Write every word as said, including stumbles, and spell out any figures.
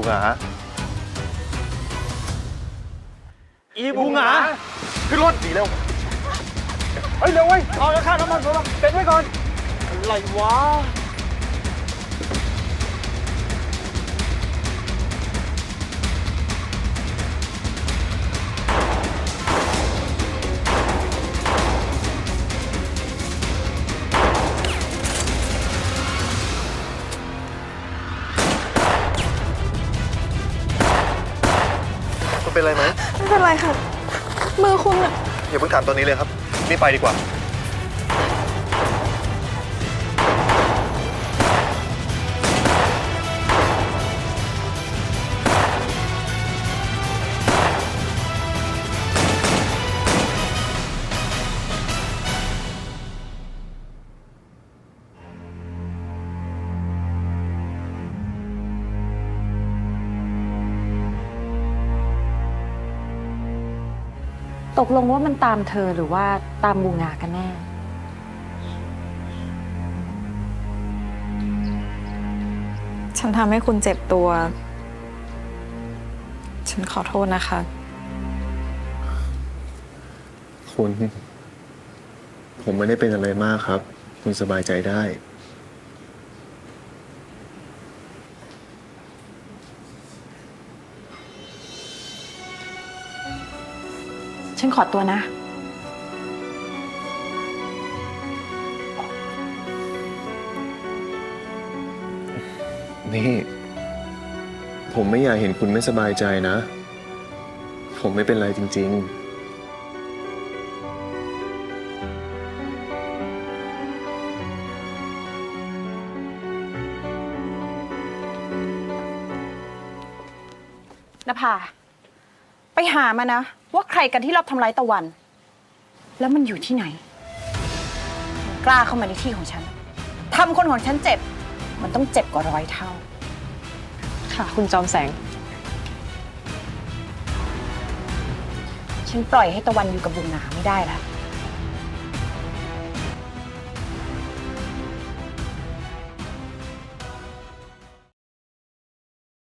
บุงหาอีบุงหาขึ้นรถดีเร็วเฮ้ยเร็วเว้ยเอาข้าวน้ำมันมาเต็นไว้ก่อนอะไรวะคุณเป็นอะไรไหมไม่เป็นไรค่ะ มือคุณอะอย่าเพิ่งถามตอนนี้เลยครับรีบไปดีกว่าตกลงว่ามันตามเธอหรือว่าตามบูงากันแน่ฉันทำให้คุณเจ็บตัว ฉันขอโทษนะคะคุณผมไม่ได้เป็นอะไรมากครับคุณสบายใจได้ฉันขอตัวนะนี่ผมไม่อยากเห็นคุณไม่สบายใจนะ ผมไม่เป็นไรจริงนภาไปหามานะว่าใครกันที่รอบทำร้ายตะวัน แล้วมันอยู่ที่ไหนมันกล้าเข้ามาในที่ของฉันทำคนของฉันเจ็บมันต้องเจ็บกว่าร้อยเท่าค่ะคุณจอมแสงฉันปล่อยให้ตะวันอยู่กับบุงหนาไม่ได้ละ